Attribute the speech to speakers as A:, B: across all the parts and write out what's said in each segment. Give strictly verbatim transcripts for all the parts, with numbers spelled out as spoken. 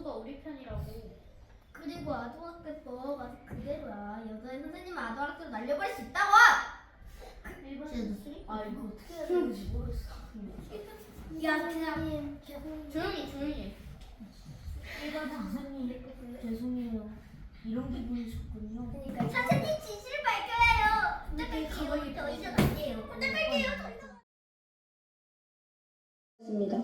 A: 모두가 우리 편이라고.
B: 그리고 아동학대법 아직 그대로야. 여자애 선생님은 아동학대로 날려버릴 수 있다고!
A: 일반
B: 쟤
A: 아 이거 어떻게 해야 되는지 모르겠어.
B: 야, 그냥
A: 조용히 조용히.
C: 일반 선생님 죄송해요. 이런 기분이셨군요.
B: 선생님 진실을 밝혀야요. 부탁할게요. 더 이상 안 돼요. 부탁할게요. 더 이상.
C: 있습니다.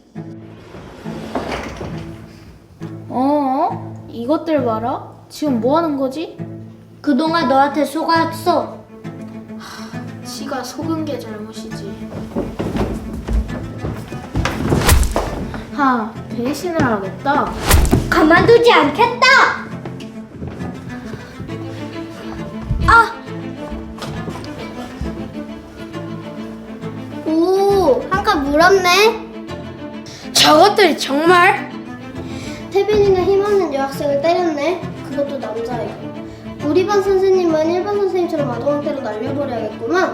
A: 어? 이것들 봐라. 지금 뭐 하는 거지?
B: 그동안 너한테 속았어.
A: 지가 속은 게 잘못이지. 하, 배신을 하겠다.
B: 가만두지 않겠다. 아! 오, 한칸 물었네.
A: 저것들이 정말?
B: 태빈이는 힘없는 여학생을 때렸네. 그것도 남자애고. 우리 반 선생님은 일반 선생님처럼 아동학대로 날려버려야겠구만.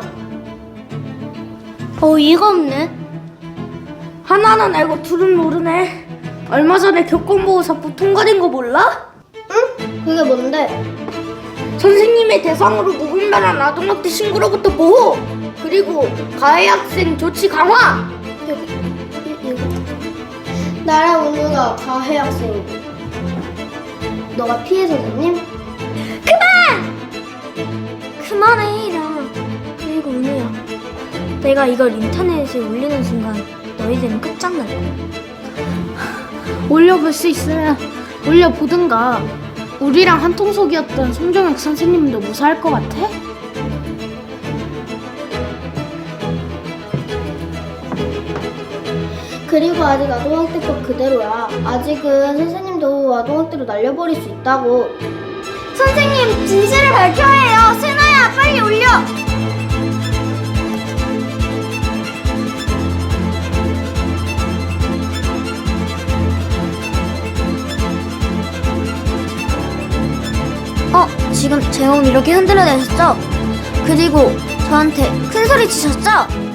B: 어이가 없네.
A: 하나는 알고 둘은 모르네. 얼마 전에 교권보호사법 통과된 거 몰라?
B: 응? 그게 뭔데?
A: 선생님의 대상으로 무분별한 아동학대 신고로부터 보호! 그리고 가해 학생 조치 강화!
B: 여기, 이- 여기. 나랑 은우가 가해 학생이고 너가 피해 선생님?
D: 그만해 이라. 그리고 은우야, 내가 이걸 인터넷에 올리는 순간 너희들은 끝장날 거야.
A: 올려볼 수 있으면 올려보든가. 우리랑 한통속이었던 송정혁 선생님도 무사할 것 같아?
B: 그리고 아직 아동학대법 그대로야. 아직은 선생님도 아동학대로 날려버릴 수 있다고. 선생님 진실을 밝혀야 해요. 세나야 빨리 올려.
D: 어, 지금 제 몸 이렇게 흔들어내셨죠? 그리고 저한테 큰 소리 치셨죠?